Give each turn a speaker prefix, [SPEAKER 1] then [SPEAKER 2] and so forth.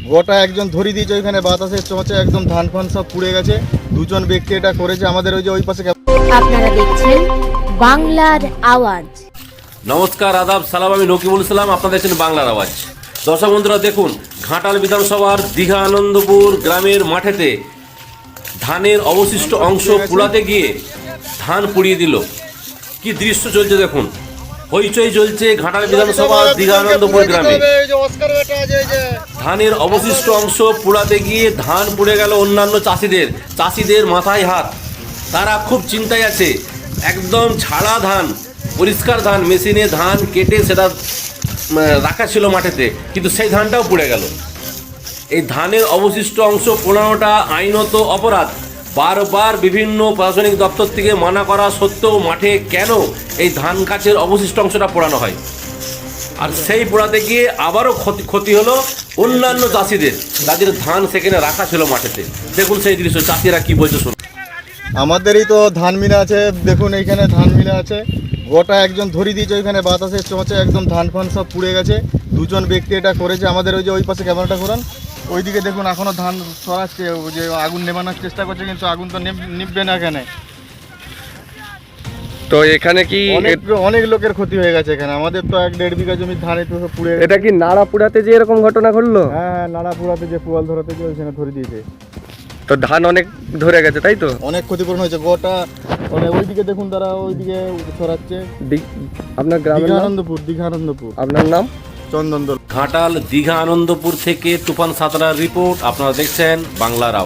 [SPEAKER 1] গোটা একজন ধরে দিয়েছে ওইখানে বাতাসের চোঁচে একদম ধান ফান সব পুড়ে গেছে। দুজন ব্যক্তি এটা করেছে। আমাদের ওই যে ওই পাশে
[SPEAKER 2] আপনারা দেখছেন বাংলার আওয়াজ।
[SPEAKER 3] নমস্কার, আদাব, সালাম। আমি নকিবুল ইসলাম, আপনারা দেখছেন বাংলার আওয়াজ। দর্শক বন্ধুরা, দেখুন ঘাটাল বিধানসভার দীঘা আনন্দপুর গ্রামের মাঠেতে ধানের অবশিষ্ট অংশ পোড়াতে গিয়ে ধান পুড়িয়ে দিল। কি দৃশ্য চলছে দেখুন, হইচই চলছে ঘাটাল বিধানসভার দীঘা আনন্দপুর গ্রামে। ধানের অবশিষ্ট অংশ পোড়াতে গিয়ে ধান পুড়ে গেল অন্যান্য চাষিদের মাথায় হাত। তারা খুব চিন্তায় আছে। একদম ছাড়া ধান, পরিষ্কার ধান, মেশিনে ধান কেটে সেটা রাখা ছিল মাঠেতে, কিন্তু সেই ধানটাও পুড়ে গেল। এই ধানের অবশিষ্ট অংশ পোড়ানোটা আইনত অপরাধ। বারবার বিভিন্ন প্রশাসনিক দপ্তর থেকে মানা করা সত্ত্বেও মাঠে কেন এই ধান গাছের অবশিষ্ট অংশটা পোড়ানো হয়? আর সেই পোড়াতে গিয়ে আবারও ক্ষতি হলো অন্যান্য চাষিদের, যাদের ধান সেখানে রাখা ছিল মাঠেতে। দেখুন সেই দৃশ্য, চাষিরা কি বলছে শুনুন।
[SPEAKER 1] আমাদেরই তো ধান মিলা আছে, দেখুন এইখানে ধান মিলা আছে। গোটা একজন ধরে দিয়েছে ওইখানে বাতাসের চোঁচে একদম ধান ফান সব পুড়ে গেছে। দুজন ব্যক্তি এটা করেছে। আমাদের ওই যে ওই পাশে ক্যামেরাটা করান, ওইদিকে দেখুন এখনো ধান সরাচ্ছে, ওই যে আগুন নেভানোর চেষ্টা করছে, কিন্তু আগুন তো নিববে না এখানে।
[SPEAKER 4] তো এখানে কি
[SPEAKER 1] অনেক লোকের ক্ষতি হয়ে গেছে এখানে। আমাদের তো 1-1.5 বিঘা জমি ধান একটু সব পুড়ে।
[SPEAKER 4] এটা কি নাড়া পুড়াতে যে এরকম ঘটনা ঘটলো?
[SPEAKER 1] হ্যাঁ, নাড়া পুরাতে যে পুয়াল ধরাতে যে ওইখানে ধরে দিয়েছে।
[SPEAKER 4] তো ধান অনেক ধরে গেছে, তাই তো?
[SPEAKER 1] অনেক ক্ষতিপূরণ হয়েছে। গোটা মানে ওইদিকে দেখুন, তারা ওইদিকে সরাচ্ছে।
[SPEAKER 4] আপনার গ্রামের নাম?
[SPEAKER 1] দীঘা আনন্দপুর।
[SPEAKER 4] আপনার নাম?
[SPEAKER 1] চন্দন দল।
[SPEAKER 3] ঘাটাল দীঘা আনন্দপুর থেকে তুফান সাঁতরার রিপোর্ট। আপনারা দেখছেন বাংলার আওয়াজ।